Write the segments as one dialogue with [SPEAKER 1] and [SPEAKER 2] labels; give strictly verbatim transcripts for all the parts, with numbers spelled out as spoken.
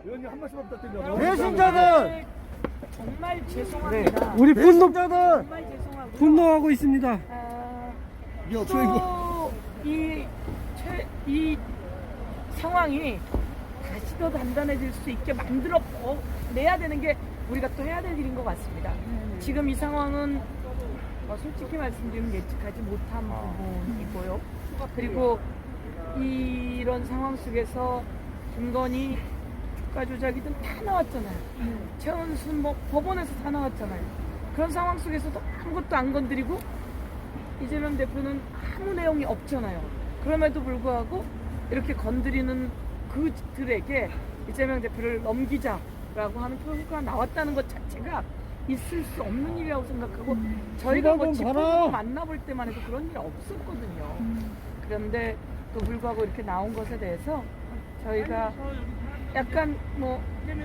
[SPEAKER 1] 의원님 한 말씀만 부탁드립니다.
[SPEAKER 2] 배신자들
[SPEAKER 3] 정말 죄송합니다.
[SPEAKER 2] 우리 분노
[SPEAKER 3] 정말 죄송하고요.
[SPEAKER 2] 분노하고 있습니다.
[SPEAKER 3] 아,
[SPEAKER 1] 이게 없어요 이거.
[SPEAKER 3] 이, 최, 이 상황이 다시 더 단단해질 수 있게 만들어 어, 내야 되는 게 우리가 또 해야 될 일인 것 같습니다. 지금 이 상황은 어, 솔직히 말씀드리면 예측하지 못한 부분이고요. 그리고 이런 상황 속에서 김건희 주가 조작이든 다 나왔잖아요. 최은순 뭐 법원에서 다 나왔잖아요. 그런 상황 속에서도 아무것도 안 건드리고 이재명 대표는 아무 내용이 없잖아요. 그럼에도 불구하고 이렇게 건드리는 그들에게 이재명 대표를 넘기자라고 하는 표현가 나왔다는 것 자체가 있을 수 없는 일이라고 생각하고 저희가 뭐 집회로 만나볼 때만 해도 그런 일이 없었거든요. 그런데 또 불구하고 이렇게 나온 것에 대해서 저희가 약간 뭐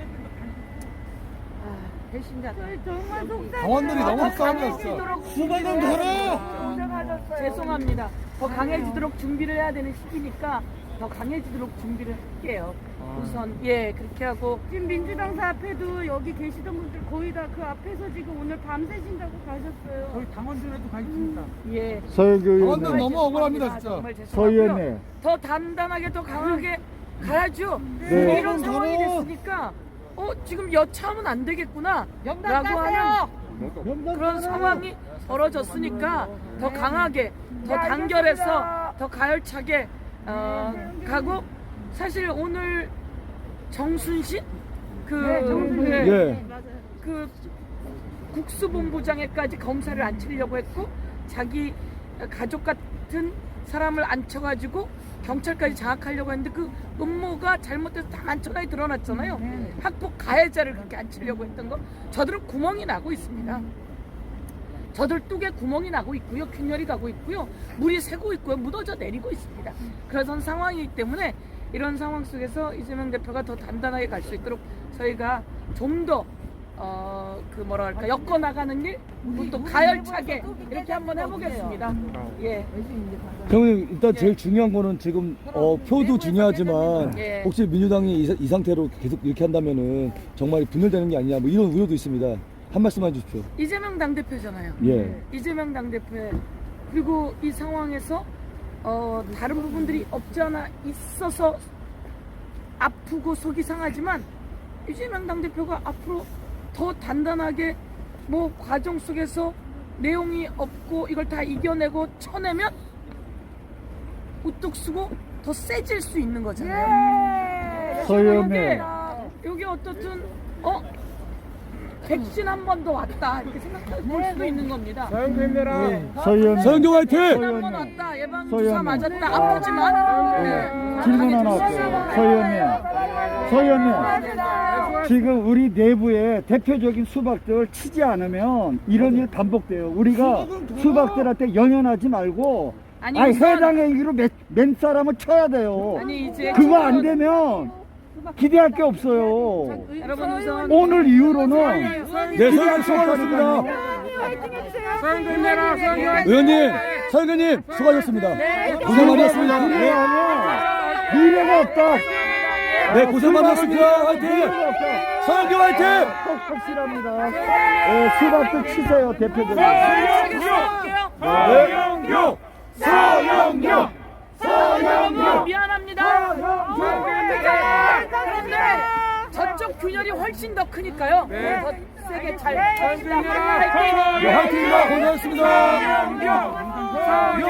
[SPEAKER 3] 아, 배신자들
[SPEAKER 4] 정말 속상해요.
[SPEAKER 1] 당원들이 너무
[SPEAKER 3] 더
[SPEAKER 1] 싸움났어.
[SPEAKER 3] 강해지도록
[SPEAKER 1] 수박은 걸어.
[SPEAKER 4] 고생하셨어요.
[SPEAKER 3] 죄송합니다. 더 강해지도록 준비를 해야 되는 시기니까 더 강해지도록 준비를 할게요. 우선 예 그렇게 하고
[SPEAKER 4] 지금 민주당사 앞에도 여기 계시던 분들 거의 다 그 앞에서 지금 오늘 밤새신다고 가셨어요.
[SPEAKER 2] 저희 당원들에도 가 있습니다.
[SPEAKER 3] 예
[SPEAKER 2] 서영교
[SPEAKER 1] 당원들
[SPEAKER 2] 의원님,
[SPEAKER 1] 너무 억울합니다 진짜.
[SPEAKER 3] 정말
[SPEAKER 2] 서
[SPEAKER 3] 죄송하고요.
[SPEAKER 2] 의원님,
[SPEAKER 3] 더 단단하게 더 강하게 가야죠.
[SPEAKER 2] 네.
[SPEAKER 3] 이런 상황이 됐으니까 어 지금 여차하면 안 되겠구나 라고 하는 그런 상황이 벌어졌으니까 더 강하게 더 단결해서 더 가열차게 어, 가고 사실 오늘 정순신 그, 네,
[SPEAKER 2] 예,
[SPEAKER 3] 그 국수본부장에까지 검사를 앉히려고 했고 자기 가족 같은 사람을 앉혀가지고 경찰까지 장악하려고 했는데 그 음모가 잘못돼서 다 만천하에 드러났잖아요. 학폭 가해자를 그렇게 앉히려고 했던 거 저들은 구멍이 나고 있습니다. 저들 뚝에 구멍이 나고 있고요. 균열이 가고 있고요. 물이 새고 있고요. 묻어져 내리고 있습니다. 그런 상황이기 때문에 이런 상황 속에서 이재명 대표가 더 단단하게 갈 수 있도록 저희가 좀 더 어, 그 뭐라 할까 엮어 나가는 일, 또 가열차게 이렇게 한번 해보겠습니다. 예.
[SPEAKER 2] 형님 일단 제일 중요한 거는 지금 어, 표도 중요하지만
[SPEAKER 3] 예.
[SPEAKER 2] 혹시 민주당이 이, 이 상태로 계속 이렇게 한다면은 정말 분열되는 게 아니냐 뭐 이런 우려도 있습니다. 한 말씀만 해주십시오.
[SPEAKER 3] 이재명 당대표잖아요.
[SPEAKER 2] 예.
[SPEAKER 3] 이재명 당대표의 그리고 이 상황에서 어, 다른 부분들이 없지 않아 있어서 아프고 속이 상하지만 이재명 당대표가 앞으로 더 단단하게 뭐 과정 속에서 내용이 없고 이걸 다 이겨내고 쳐내면 우뚝 쓰고 더 세질 수 있는 거잖아요.
[SPEAKER 2] 서 의원님,
[SPEAKER 3] 여기, 여기 어떻든 어 백신 한 번 더 왔다 이렇게 생각할 수도 있는 겁니다.
[SPEAKER 2] 서 의원님, 서영교 화이팅!
[SPEAKER 3] 백신 한 번 왔다 예방
[SPEAKER 2] 서
[SPEAKER 3] 주사
[SPEAKER 2] 의원님.
[SPEAKER 3] 맞았다 아프지만 네.
[SPEAKER 2] 질문 하나 할게요. 서 의원님, 서 의원님, 지금 우리 내부에 대표적인 수박들 치지 않으면 이런 일 반복돼요. 우리가 수박들한테 연연하지 말고
[SPEAKER 3] 아니,
[SPEAKER 2] 아니,
[SPEAKER 3] 우선-
[SPEAKER 2] 해당 행위로 맨, 맨 사람을 쳐야 돼요.
[SPEAKER 3] 아니 이제
[SPEAKER 2] 그거 안 되면 기대할 게 없어요.
[SPEAKER 3] 여러분 우선
[SPEAKER 2] 오늘 이후로는
[SPEAKER 1] 네,
[SPEAKER 2] 기대할 수 없습니다. 의원님, 서 의원님 수고하셨습니다. 고생 많으셨습니다. 네. 미래가 없다. 네, 고생 많으셨습니다. 화이팅! 서영교 화이팅! 확실합니다. 네, 수박도 치세요, 대표적으로.
[SPEAKER 3] 서영교 서영교 서영교 미안합니다. 그런데 저쪽 균열이 훨씬 더 크니까요. 더 세게 잘 합시다.
[SPEAKER 1] 네, 화이팅입니다. 고생하셨습니다.